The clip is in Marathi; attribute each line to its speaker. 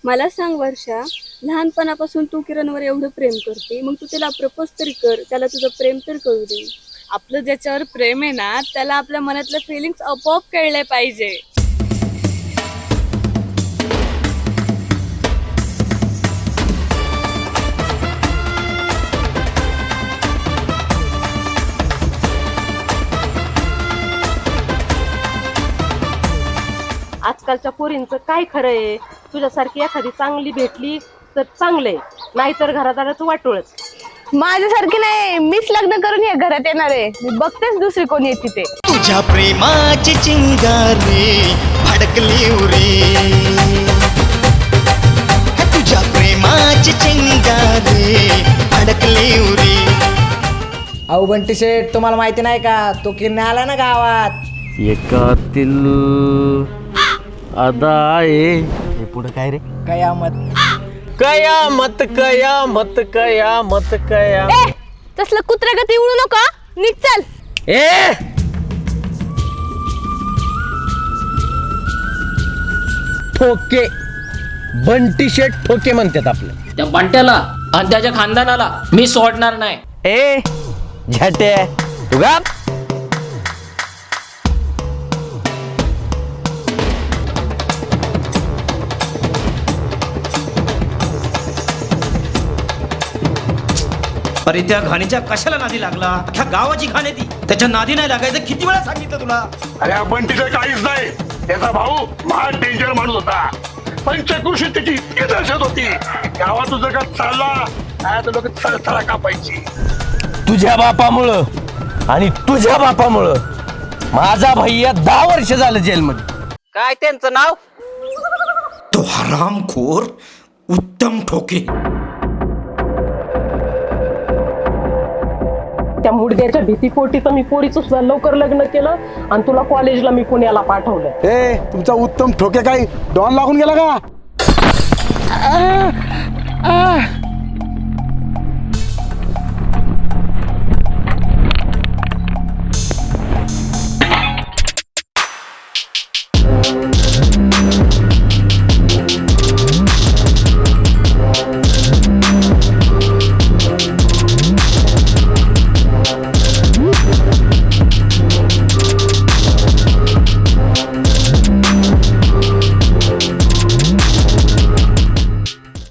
Speaker 1: मला सांग वर्षा, लहानपणापासून तू किरणवर एवढं प्रेम करते, मग तू त्याला प्रपोज तरी कर, त्याला तुझं प्रेम तर कळू दे.
Speaker 2: आपलं ज्याच्यावर प्रेम आहे ना, त्याला आपल्या मनातले फिलिंग्स आपोआप कळले पाहिजे.
Speaker 3: आजकालच्या पोरींचं काय खरं आहे. तुझ्यासारखी एखादी चांगली भेटली तर चांगलंय, नाहीतर घरादाराचं वाटोळच.
Speaker 4: माझ्यासारखी नाही, मीच लग्न करून या घरात येणार आहे. मी बघतेच दुसरी कोण येते ते.
Speaker 5: तुझ्या प्रेमाची चिंगारी भडकली उरी, तुझ्या प्रेमाची चिंगारी भडकली उरी.
Speaker 6: अहो बंटी शेठ, तुम्हाला माहिती नाही का, तो किरण आला ना गावात.
Speaker 7: एकातील अदा आहे. हे पुढे काय रे?
Speaker 6: कयामत.
Speaker 7: कयामत कयामत कयामत कया.
Speaker 4: ए, तसलं कुत्र्यागती उडू नका, निघ चल.
Speaker 7: ए ठोके, बंटी शेठ ठोके म्हणतात आपलं.
Speaker 8: त्या बंट्याला आणि त्याच्या खानदानाला मी सोडणार नाही.
Speaker 7: ए झटे तू गा.
Speaker 9: अरे त्या घाणीच्या कशाला नादी लागला? अख्ख्या गावाची घाण आहे ती. त्याच्या नादी नाही लागायचं किती वेळा सांगितलं तुला.
Speaker 10: अरे आपण तिथे काहीच नाही. त्याचा भाऊ महान डेंजर माणूस होता. पंचकृषी त्याची इतकी दहशत होती. गावात तुझं का चालला लोक चळचळा कापायची.
Speaker 7: तुझ्या बापामुळं आणि तुझ्या बापामुळं माझा भैया 10 वर्ष झालं जेलमध्ये.
Speaker 3: काय त्यांचं नाव?
Speaker 9: तो हरामखोर उत्तम ठोके.
Speaker 3: त्या मुडद्याच्या भीतीपोटी तर मी पोरीचं सुद्धा लवकर लग्न केलं आणि तुला कॉलेजला मी पुण्याला पाठवलं.
Speaker 10: तुमचा उत्तम ठोके काही डॉन लागून गेला का?